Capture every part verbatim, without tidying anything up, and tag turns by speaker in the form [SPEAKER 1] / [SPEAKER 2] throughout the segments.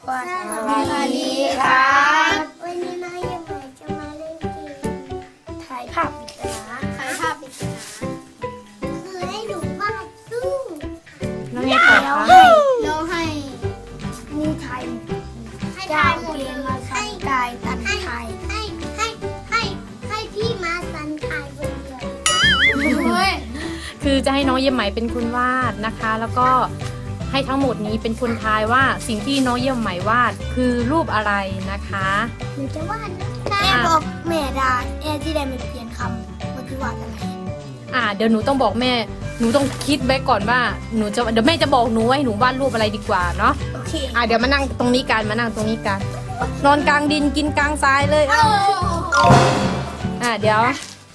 [SPEAKER 1] สวัสดีครับวันนี้น้องยังไงจะมาเล่นเกมถ่ายภาพปริศนาถ่ายภาพปริศนาคือให้หนูวาดรูป
[SPEAKER 2] แล้วไงต่อคะ
[SPEAKER 1] แล้วให้มีไทยให้ทายเกมมาสันกายตันไทยให้ให้ให้ให้พี่มาสันไทยคนเดียว
[SPEAKER 2] คือจะให้น้องเยี่ยมไหมเป็นคนวาดนะคะ แล้วก็ให้ทั้งหมดนี้เป็นคนทายว่าสิ่งที่น้องเยี่ยมไหมวาดคือรูปอะไรนะคะ
[SPEAKER 1] หนูจะวาดแม่บอกแม่ดาแอที่ได้ไม่เปลี่ยนคำว่าที่วาดอะไร
[SPEAKER 2] อ่าเดี๋ยวหนูต้องบอกแม่หนูต้องคิดไว้ก่อนว่าหนูจะเดี๋ยวแม่จะบอกหนูว่าให้หนูวาดรูปอะไรดีกว่าเนาะ
[SPEAKER 1] โอเค
[SPEAKER 2] อ่าเดี๋ยวมานั่งตรงนี้กันมานั่งตรงนี้กันนอนกลางดินกินกลางทรายเลยเอาอ่าเดี๋ยว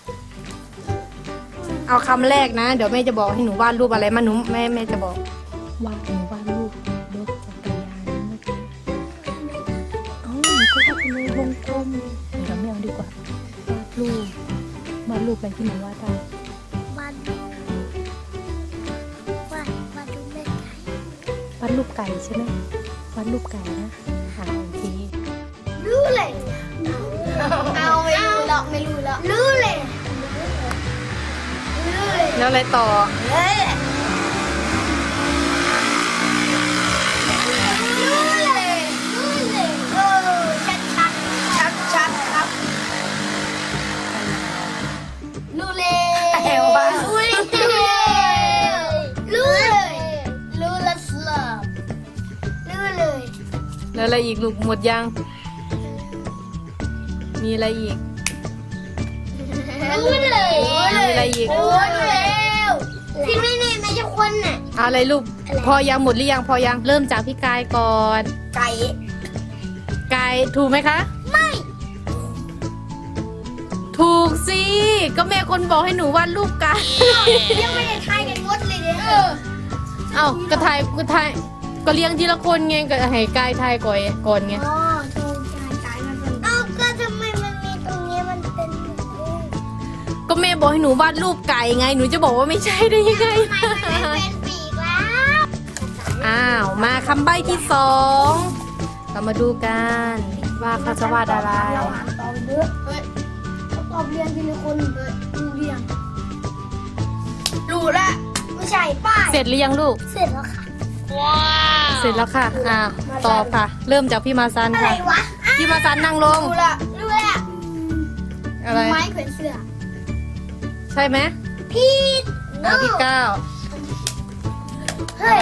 [SPEAKER 2] เอาคำแรกนะเดี๋ยวแม่จะบอกให้หนูวาดรูปอะไรมาหนูแม่แม่จะบอกวาดหนูวาดรูปรถจักรยานเมื่อกี้เอ้าหนูก็วาดเป็นวงกลมเดี๋ยวไม่เอาดีกว่าวาดรูปวาดรูปอะไรที่หนูวาดได้
[SPEAKER 1] วาดวาดวาดรูปแม่ไก่
[SPEAKER 2] วาดรูปไก่ใช่ไหมวาดรูปไก่นะหาโอเค
[SPEAKER 1] รู้เลยเอาไม่รู้แล้วไม่รู้แล้วรู้เลยรู้เลย
[SPEAKER 2] แล้วอะไรต่อ
[SPEAKER 1] เฮ้ยรู้เลยรู้เลยเออชัดชัดชัดชัดครับรู้เลยรู้เลยรู้เลยรู้ละสลับรู้เลย
[SPEAKER 2] แล้วอะไรอีกลูกหมดยังมีอะไรอีก
[SPEAKER 1] รู้เลย
[SPEAKER 2] มีอะไรอีก
[SPEAKER 1] รู้แล้วที่ไม่นี่ไม่ใช่คนน่ะ
[SPEAKER 2] อะไรลูกพอยังหมดหรือยังพอยังเริ่มจากพี่กายก่อน
[SPEAKER 1] ไก่
[SPEAKER 2] กายถูกไหมคะ
[SPEAKER 1] ไม่
[SPEAKER 2] ถูกสิก็แม่คนบอกให้หนูวาดรูปไก่
[SPEAKER 1] ยังไม่ได้ทายกันหมดเลยเนี่ยเออ
[SPEAKER 2] เอ้าก็ทายก็ทายก็เลี้ยงทีละคนไงก็ให้กายทายก่อนก่อนไง
[SPEAKER 1] อ๋อถูกใจใจมันเป็นเอ้าก็ทำไมมันมีตรงนี้มันเป็นรูป
[SPEAKER 2] ก็แม่บอกให้หนูวาดรูปไก่ไงหนูจะบอกว่าไม่ใช่ได้ยังไง
[SPEAKER 1] ทำไมมันไม่เป็นปีกแล้ว
[SPEAKER 2] อ้าวมาคำใบ้ที่สองเรามาดูกันว่าเขาจะวาดอะไร
[SPEAKER 1] เราอ่านตอบเยอะเฮ้ยเขาตอบเรียงทีละคนเลยรู้เรียงรู้ละไม่ใช่ป้าย
[SPEAKER 2] เสร็จหรือยังลูก
[SPEAKER 1] เสร็จแล้วค่ะ
[SPEAKER 2] เสร็จแล้วค่ะอ่าตอบค่ะ เริ่มจากพี่มาซัน
[SPEAKER 1] อะไร
[SPEAKER 2] ค่ะ
[SPEAKER 1] วะ
[SPEAKER 2] พี่มาซันนั่งลง
[SPEAKER 1] รู้ละรู้ละ
[SPEAKER 2] อะไร
[SPEAKER 1] ไม้แขวนเสื้อ
[SPEAKER 2] ใช่ไหม
[SPEAKER 1] พี่
[SPEAKER 2] อ่าพี่ก้าว
[SPEAKER 1] เฮ้
[SPEAKER 2] อะ
[SPEAKER 1] ย
[SPEAKER 2] ไร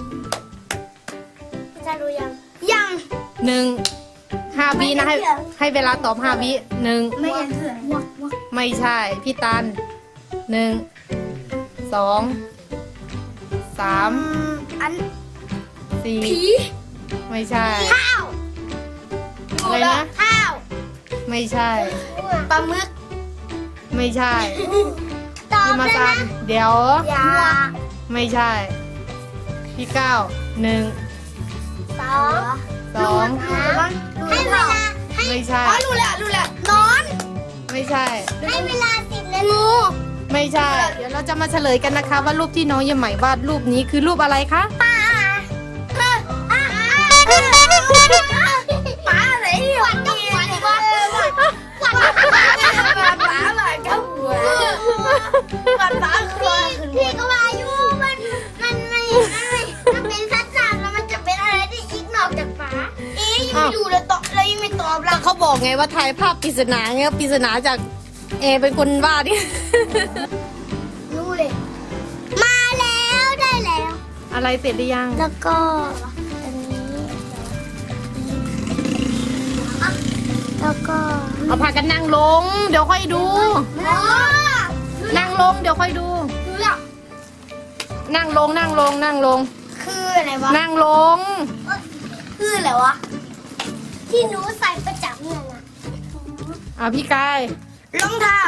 [SPEAKER 1] จะรู้ยังยัง
[SPEAKER 2] หนึ่งห้าวินะให้ให้เวลาตอบห้าวิหนึ่ง
[SPEAKER 1] ไม่เห็นเถื่อนวักวัก
[SPEAKER 2] ไม่ใช่พี่ตันหนึ่งสองสาม
[SPEAKER 1] อัน
[SPEAKER 2] สี่
[SPEAKER 1] ผี
[SPEAKER 2] ไม่ใช่
[SPEAKER 1] ข้าว
[SPEAKER 2] อะไรนะ
[SPEAKER 1] ข้าว
[SPEAKER 2] ไม่ใช่
[SPEAKER 1] ปลาหมึก
[SPEAKER 2] ไม่ใช่
[SPEAKER 1] ตอบ
[SPEAKER 2] พี่มา
[SPEAKER 1] เลย
[SPEAKER 2] ซั
[SPEAKER 1] นะ
[SPEAKER 2] นเดี๋ยว
[SPEAKER 1] อย่า
[SPEAKER 2] ไม่ใช่ พี่ก้าวหนึ่ง
[SPEAKER 1] สอง
[SPEAKER 2] สอง
[SPEAKER 1] ให้เวลาให้
[SPEAKER 2] ไม่ใช่
[SPEAKER 1] อ๋อรู้แล้วรู้แล้วนอน
[SPEAKER 2] ไม่ใช่
[SPEAKER 1] ให้เวลาสิบนาทีงู
[SPEAKER 2] ไม่ใช่ เดี๋ยวเราจะมาเฉลยกันนะคะ ว่ารูปที่น้องเยี่ยมไหมวาดรูปนี้คือรูปอะไรคะ
[SPEAKER 1] ปลาปลาอะไรหวานกับหวานหวานหวานหวานปลาหวานกับหัวหวานปลาคือพี่ก็ว่าอยู่มันมันไม่มันเป็นสัตว์น้ำแล้วมันจะเป็นอะไรที่อีกนอกจากปลาเอ๊ยยังไม่ดูเลยตอบเลยยังไม่ตอบ
[SPEAKER 2] แล้วเขาบอกไงว่าถ่ายภาพปริศนาไงปริศนาจากเอเป็นคนวาดนี่
[SPEAKER 1] รู้เลย มาแล้วได้แล้ว
[SPEAKER 2] อะไรเสร็จหรือยัง
[SPEAKER 1] แล้วก็อันนี้อ่ะแล้วก็
[SPEAKER 2] เอาพากันนั่งลง เดี๋ยวค่อยดู
[SPEAKER 1] อ๋อ
[SPEAKER 2] นั่งลงเดี๋ยวค่อยดู
[SPEAKER 1] รู้แล้ว
[SPEAKER 2] นั่งลงนั่งลงนั่งลง
[SPEAKER 1] คืออะไรวะ
[SPEAKER 2] นั่งลง
[SPEAKER 1] คืออะไรวะที่หนูใส่ประจำเนี่ยนะ
[SPEAKER 2] อ่ะพี่กาย
[SPEAKER 1] รองเท้า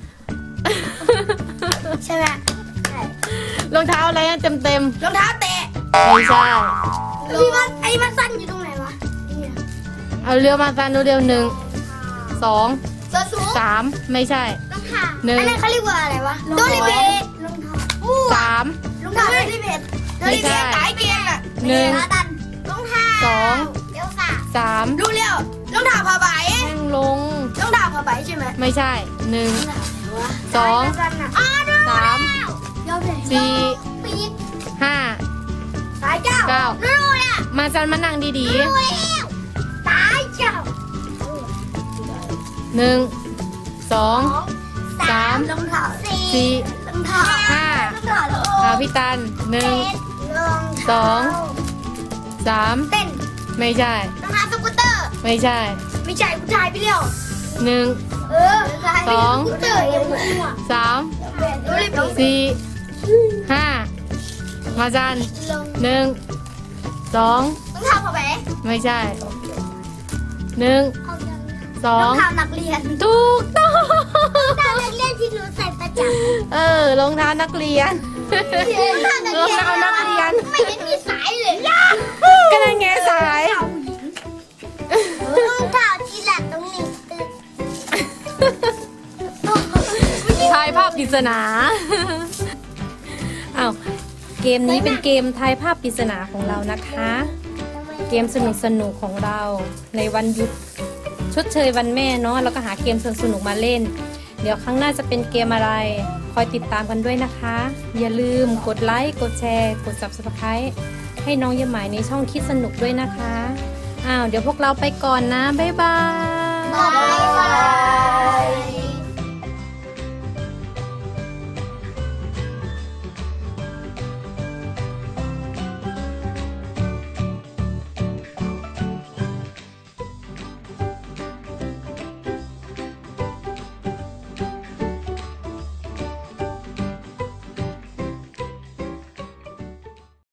[SPEAKER 1] ใช่ไหมใช่
[SPEAKER 2] รองเท้าอะไรนะเต็มเต็ม
[SPEAKER 1] รองเท้าแตะ
[SPEAKER 2] ๆไม่ใช่
[SPEAKER 1] พี่มันไอ้มันสั้นอยู่ตรงไหนวะเนี่ย
[SPEAKER 2] เอาเรือมาซันดูเร็วหนึ่งสอง
[SPEAKER 1] ส่วนสูง
[SPEAKER 2] สามไม่ใช่
[SPEAKER 1] รองเท้า
[SPEAKER 2] หนึ่ง
[SPEAKER 1] อันนั้นเขาเรียกว่าอะไรวะโดริเบตรองเท้ามั่ว
[SPEAKER 2] สาม
[SPEAKER 1] รองเท้าโดริเบตโดริเบตสายเกียร์อะ
[SPEAKER 2] หนึ่ง
[SPEAKER 1] ขาดันรองเท้า
[SPEAKER 2] สอง
[SPEAKER 1] เดี๋ยวซ้
[SPEAKER 2] สาม
[SPEAKER 1] รู้แล้วรองเท้าผ้าใบ
[SPEAKER 2] นั่งลง
[SPEAKER 1] รองเท้าผ้าใบใช่ไหม
[SPEAKER 2] ไม่ใช่หนึ่งสอง
[SPEAKER 1] อ๋อดู
[SPEAKER 2] สาม
[SPEAKER 1] ยอมเลย
[SPEAKER 2] สี่
[SPEAKER 1] ปีก
[SPEAKER 2] ห้า
[SPEAKER 1] สายเจ้า
[SPEAKER 2] เก้า
[SPEAKER 1] รู้แล้ว
[SPEAKER 2] มาจันมานั่งดี
[SPEAKER 1] รู้แล้วสายเจ้า
[SPEAKER 2] ๆหนึ่งสอง สาม
[SPEAKER 1] รองเท้า
[SPEAKER 2] สี่
[SPEAKER 1] รองเท้า
[SPEAKER 2] ห้าร
[SPEAKER 1] องเท้าแล้ว
[SPEAKER 2] อ่าพี่ตันหนึ่ง
[SPEAKER 1] รอง
[SPEAKER 2] สองสาม
[SPEAKER 1] เต้น
[SPEAKER 2] ไม่ใช่
[SPEAKER 1] รองเท้าสกูตเตอร์
[SPEAKER 2] ไม่ใช่
[SPEAKER 1] ไม่ใช่ผู้ชายไปเร็ว
[SPEAKER 2] หนึ่ง
[SPEAKER 1] เออ
[SPEAKER 2] สอง
[SPEAKER 1] สกูตเตอร์ยังหัว
[SPEAKER 2] สาม
[SPEAKER 1] ดูเลยปีก
[SPEAKER 2] สี่ห้ามาจัน
[SPEAKER 1] ลง
[SPEAKER 2] หนึ่งสอง
[SPEAKER 1] รองเท้าผ้าใบ
[SPEAKER 2] ไม่ใช่หนึ่งสอ
[SPEAKER 1] รอง งเท้านักเรียน
[SPEAKER 2] ถูกต้อง
[SPEAKER 1] รองเท้านักเรียนที่หนูใส่ประจำ
[SPEAKER 2] เออรองเท้านักเรียน รองเท้านักเรียน
[SPEAKER 1] ไม่เห็นมีสายเลย
[SPEAKER 2] ก็นั่นไงสาย
[SPEAKER 1] รองเท้าที่หลังตรงนี้ตึก
[SPEAKER 2] ทายภาพปริศนา อ้าว เกมนี้เป็นเกมทายภาพปริศนาของเรานะคะ เกมสนุกสนุกๆของเราในวันหยุดชดเชยวันแม่เนาะแล้วก็หาเกมสนุกๆมาเล่น เดี๋ยวครั้งหน้าจะเป็นเกมอะไร คอยติดตามกันด้วยนะคะ อย่าลืมกดไลค์กดแชร์กด ซับสไครบ์ ให้น้องยาหมายในช่องคิดสนุกด้วยนะคะอ้าวเดี๋ยวพวกเราไปก่อนนะบ๊ายบาย
[SPEAKER 1] บายบาย